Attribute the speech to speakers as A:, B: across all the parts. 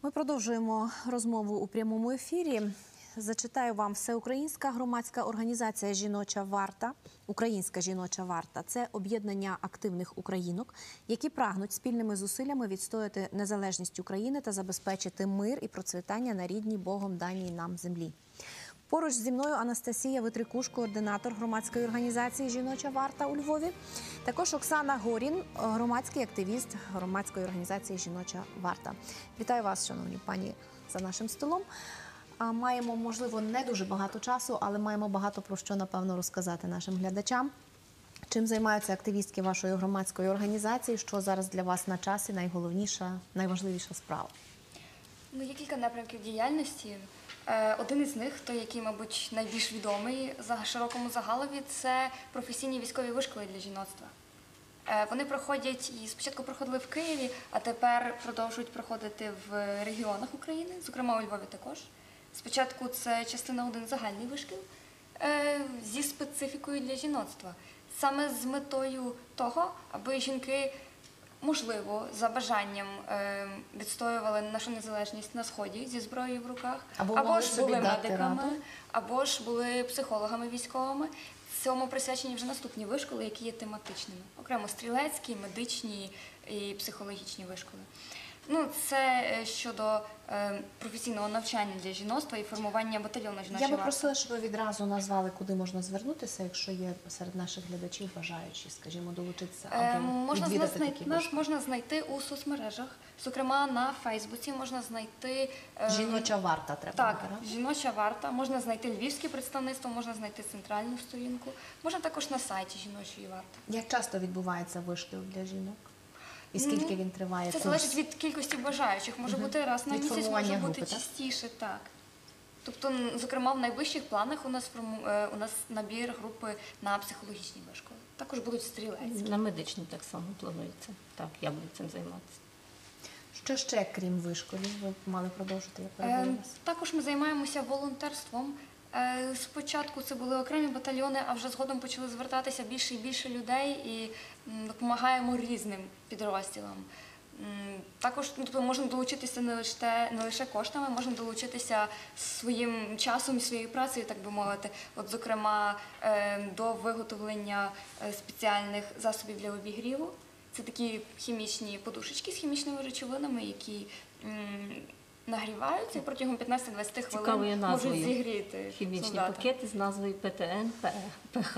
A: Ми продовжуємо розмову у прямому ефірі. Зачитаю вам: Всеукраїнська громадська організація «Жіноча варта», «Українська жіноча варта» – це об'єднання активних українок, які прагнуть спільними зусиллями відстояти незалежність України та забезпечити мир і процвітання на рідній Богом даній нам землі. Поруч зі мною Анастасія Витрикуш, координатор громадської організації «Жіноча варта» у Львові. Також Оксана Горін, громадський активіст громадської організації «Жіноча варта». Вітаю вас, шановні пані, за нашим столом. Маємо, можливо, не дуже багато часу, але маємо багато про що, напевно, розказати нашим глядачам. Чим займаються активістки вашої громадської організації? Що зараз для вас на часі найголовніша, найважливіша справа?
B: Є кілька напрямків діяльності. Один із них, той, який, мабуть, найбільш відомий широкому загалові, це професійні військові вишколи для жіноцтва. Вони проходять, і спочатку проходили в Києві, а тепер продовжують проходити в регіонах України, зокрема у Львові також. Спочатку це частина 1 загальний вишкіл зі специфікою для жіноцтва. Саме з метою того, аби жінки, можливо, за бажанням відстоювали нашу незалежність на Сході зі зброєю в руках, або ж були медиками, або ж були психологами військовими. Цьому присвячені вже наступні вишколи, які є тематичними. Окремо стрілецькі, медичні і психологічні вишколи. Це щодо професійного навчання для жіноцтва і формування батальйону «Жіноча варта».
A: Я би просила, щоб ви відразу назвали, куди можна звернутися, якщо є серед наших глядачів бажаючі, скажімо, долучитися або відвідати такі вишколи.
B: Нас можна знайти у соцмережах, зокрема на Фейсбуці можна знайти…
A: «Жіноча варта» треба
B: Так,
A: вибирати.
B: «Жіноча варта», можна знайти львівське представництво, можна знайти центральну сторінку, можна також на сайті «Жіночої варти».
A: Як часто відбувається вишкіл для жінок? І скільки він триває?
B: Це залежить від кількості бажаючих. Може бути раз на місяць, може бути частіше. Так. Тобто, зокрема, в найближчих планах у нас набір групи на психологічні вишколи. Також будуть стрілецькі.
C: На медичні так само планується. Так, я буду цим займатися.
A: Що ще, крім вишколів, ви мали продовжити?
B: Також ми займаємося волонтерством. Спочатку це були окремі батальйони, а вже згодом почали звертатися більше і більше людей і допомагаємо різним підрозділам. Також можна долучитися не лише коштами, можна долучитися своїм часом і своєю працею, так би мовити. От, зокрема, до виготовлення спеціальних засобів для обігріву. Це такі хімічні подушечки з хімічними речовинами, які нагріваються і протягом 15-20 хвилин можуть зігріти
C: хімічні
B: солдата.
C: пакети з назвою ПТН-ПХ.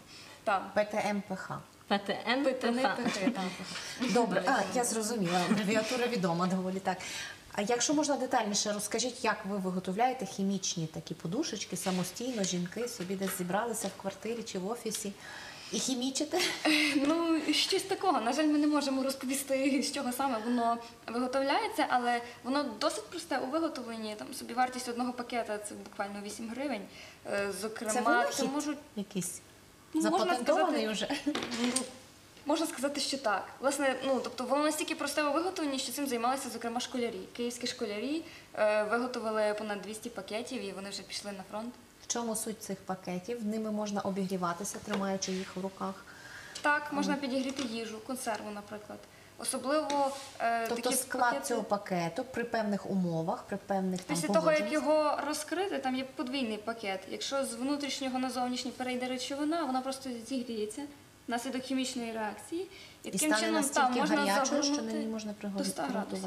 A: ПТМ-ПХ.
C: ПТН-ПХ.
A: Добре, я зрозуміла, абревіатура відома доволі так. А якщо можна детальніше, розкажіть, як ви виготовляєте хімічні такі подушечки самостійно, жінки собі десь зібралися в квартирі чи в офісі і хімічите?
B: Щось такого. На жаль, ми не можемо розповісти, з чого саме воно виготовляється, але воно досить просте у виготовленні. Там собівартість одного пакета – це буквально 8 гривень. Зокрема,
A: це винахід якийсь? Запатентований вже?
B: Можна сказати, що так. Власне, тобто воно настільки просте у виготовленні, що цим займалися, зокрема, школярі. Київські школярі виготовили понад 200 пакетів і вони вже пішли на фронт.
A: В чому суть цих пакетів? Ними можна обігріватися, тримаючи їх в руках?
B: Так, можна підігріти їжу, консерву, наприклад. Особливо
A: тобто склад цього пакету при певних умовах, при певних
B: після того, як його розкрити, там є подвійний пакет. Якщо з внутрішнього на зовнішній перейде речовина, вона просто зігріється внаслідок хімічної реакції.
A: І таким стане настільки гарячою, що на ній можна приготувати.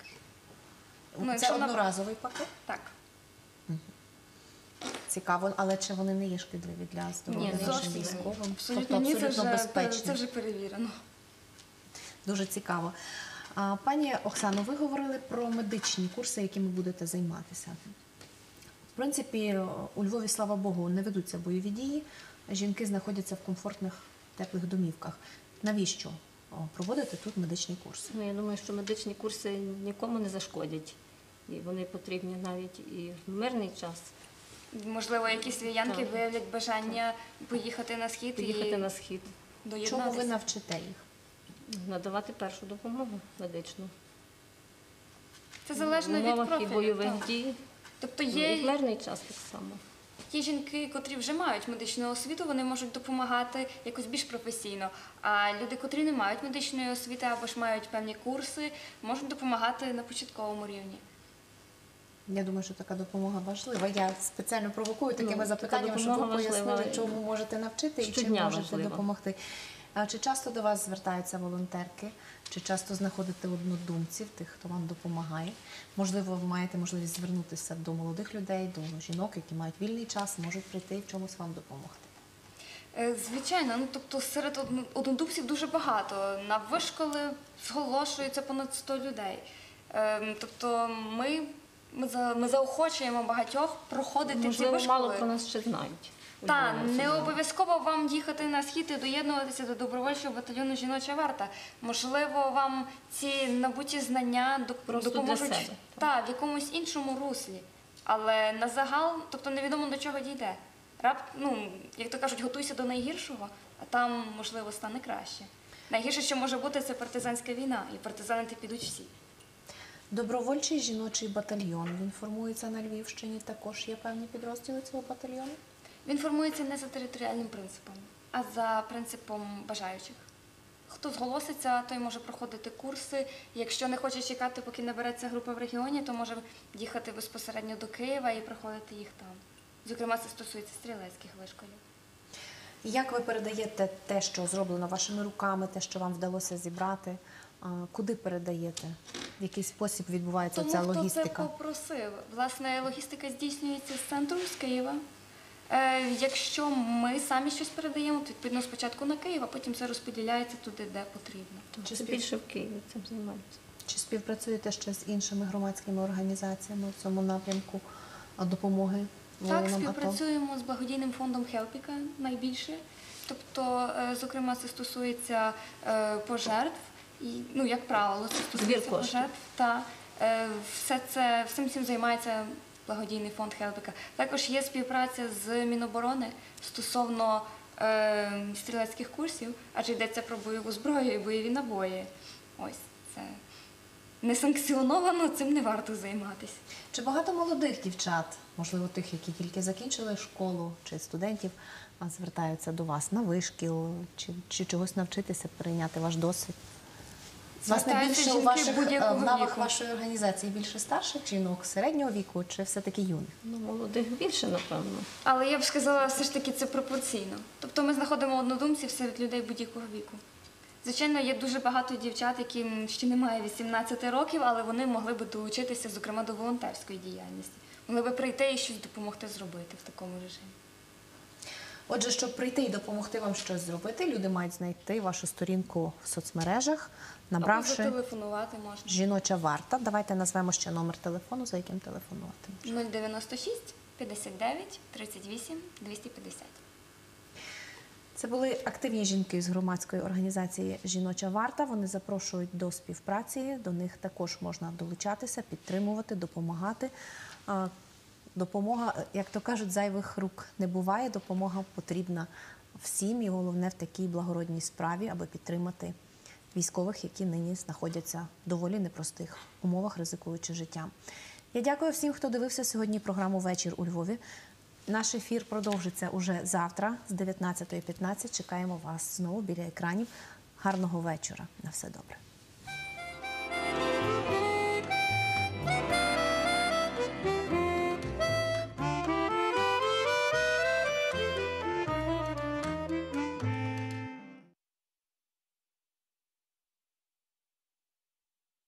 A: Це одноразовий пакет?
B: Так.
A: Цікаво, але чи вони не є шкідливі для здоров'я нашим військовим?
B: Абсолютно ні, це вже перевірено.
A: Дуже цікаво. Пані Оксано, ви говорили про медичні курси, якими будете займатися. В принципі, у Львові, слава Богу, не ведуться бойові дії. Жінки знаходяться в комфортних, теплих домівках. Навіщо проводити тут медичні курси?
C: Я думаю, що медичні курси нікому не зашкодять. І вони потрібні навіть і в мирний час.
B: Можливо, якісь львів'янки виявлять бажання поїхати на схід.
A: Чому ви навчите їх?
C: Надавати першу допомогу медичну.
B: Це залежно від профілю.
C: І бойових дій.
B: Тобто
C: є в мирний час так само.
B: Є жінки, котрі вже мають медичну освіту, вони можуть допомагати якось більш професійно. А люди, котрі не мають медичної освіти або ж мають певні курси, можуть допомагати на початковому рівні.
A: Я думаю, що така допомога важлива. Я спеціально провокую такими
C: така
A: запитаннями, щоб ви
C: допомога
A: пояснили,
C: важлива.
A: чому можете навчити і чим
C: Щодня
A: можете
C: важлива.
A: допомогти. А чи часто до вас звертаються волонтерки? Чи часто знаходите однодумців, тих, хто вам допомагає? Можливо, ви маєте можливість звернутися до молодих людей, до жінок, які мають вільний час, можуть прийти і в чомусь вам допомогти.
B: Звичайно, ну тобто серед однодумців дуже багато. На вишколи зголошується понад 100 людей. Тобто ми заохочуємо багатьох проходити ці
C: Можливо,
B: вишколи.
C: мало про нас ще знають.
B: Так,
C: Ольга
B: не
C: Василівна.
B: обов'язково вам їхати на схід і доєднуватися до добровольчого батальйону «Жіноча варта». Можливо, вам ці набуті знання
C: Просто для
B: допоможуть
C: себе,
B: в якомусь іншому руслі. Але на загал, тобто невідомо до чого дійде. Як то кажуть, готуйся до найгіршого, а там, можливо, стане краще. Найгірше, що може бути, це партизанська війна, і партизанити підуть всі.
A: Добровольчий жіночий батальйон, він формується на Львівщині, також є певні підрозділи цього батальйону?
B: Він формується не за територіальним принципом, а за принципом бажаючих. Хто зголоситься, той може проходити курси. Якщо не хоче чекати, поки набереться група в регіоні, то може їхати безпосередньо до Києва і проходити їх там. Зокрема, це стосується стрілецьких вишколів.
A: Як ви передаєте те, що зроблено вашими руками, те, що вам вдалося зібрати? Куди передаєте? В який спосіб відбувається ця
B: Тому
A: логістика?
B: хто це попросив. Власне, логістика здійснюється з центру, з Києва. Якщо ми самі щось передаємо, то відповідно спочатку на Київ, а потім це розподіляється туди, де потрібно.
A: Чи,
C: Це більше в Києві цим займаються.
A: Чи співпрацюєте ще з іншими громадськими організаціями в цьому напрямку допомоги
B: Так,
A: воїнам АТО?
B: співпрацюємо з благодійним фондом Хелпіка найбільше. Тобто, зокрема, це стосується пожертв, і, як правило, це стосується
C: Збір коштів.
B: пожертв. Всім цим займається благодійний фонд Хелпіка. Також є співпраця з Міноборони стосовно стрілецьких курсів, адже йдеться про бойову зброю і бойові набої. Ось це не санкціоновано, цим не варто займатися.
A: Чи багато молодих дівчат, можливо, тих, які тільки закінчили школу, чи студентів, звертаються до вас на вишкіл, чи чогось навчитися, перейняти ваш досвід? Власне,
B: Звертаються
A: більше
B: жінки будь-якого
A: в лавах
B: віку.
A: вашої організації більше старших жінок, середнього віку, чи все-таки юних?
C: Молодих більше, напевно.
B: Але я б сказала, все ж таки це пропорційно. Тобто ми знаходимо однодумців серед людей будь-якого віку. Звичайно, є дуже багато дівчат, яким ще немає 18 років, але вони могли би долучитися, зокрема, до волонтерської діяльності. Могли би прийти і щось допомогти зробити в такому режимі.
A: Отже, щоб прийти і допомогти вам щось зробити, люди мають знайти вашу сторінку в соцмережах,
B: Або
A: набравши
B: зателефонувати можна.
A: «Жіноча варта». Давайте назвемо ще номер телефону, за яким телефонувати.
B: 096 59 38 250.
A: Це були активні жінки з громадської організації «Жіноча варта». Вони запрошують до співпраці, до них також можна долучатися, підтримувати, допомагати. Допомога, як то кажуть, зайвих рук не буває, допомога потрібна всім і головне в такій благородній справі, аби підтримати військових, які нині знаходяться в доволі непростих умовах, ризикуючи життям. Я дякую всім, хто дивився сьогодні програму «Вечір у Львові». Наш ефір продовжиться уже завтра з 19:15. Чекаємо вас знову біля екранів. Гарного вечора. На все добре.